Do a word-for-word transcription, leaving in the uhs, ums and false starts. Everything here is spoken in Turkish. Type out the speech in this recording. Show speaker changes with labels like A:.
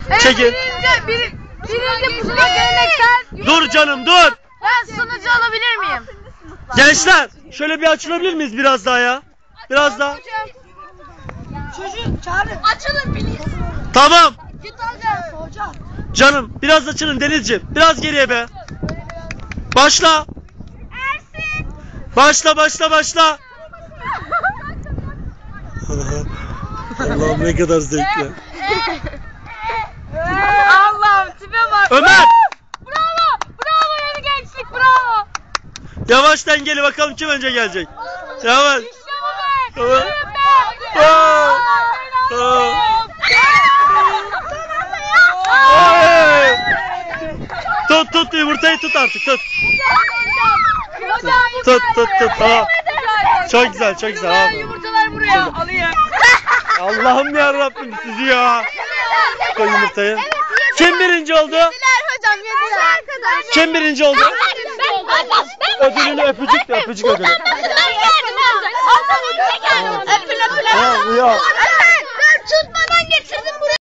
A: Evet,
B: Çekil.
A: Birinci, bir, birinci pusula geleneksel.
B: Dur canım dur.
A: Ben sunucu alabilir miyim?
B: Gençler şöyle bir açılabilir miyiz biraz daha ya? Biraz daha.
A: Çocuğu çağırın. Açılın please.
B: Tamam.
A: Git alacağız. Hocam.
B: Canım biraz açılın Denizciğim. Biraz geriye be. Başla.
A: Ersin.
B: Başla başla başla. Allah'ım ne kadar zevkli.
A: Allah'ım tipe bak.
B: Ömer.
A: Bravo. Bravo yeni gençlik bravo.
B: Yavaş dengeli bakalım kim önce gelecek. Yavaş.
A: İşte bu be.
B: Evet.
A: Yürü be.
B: Aa. Aa. Ay. Tut tut yumurtayı tut artık tut. Tut tut tut. Tamam. Çok güzel çok güzel.
A: Ben
B: Abi.
A: yumurtalar buraya alayım.
B: Allah'ım ya Rabbim sizi ya. Koy yumurtayı. Kim birinci oldu?
A: Yediler hocam yediler.
B: Kim birinci oldu? Ödülünü öpücük de öpücük ödülü.
A: Ben geldim. Öpün öpün.
B: Tamam ya.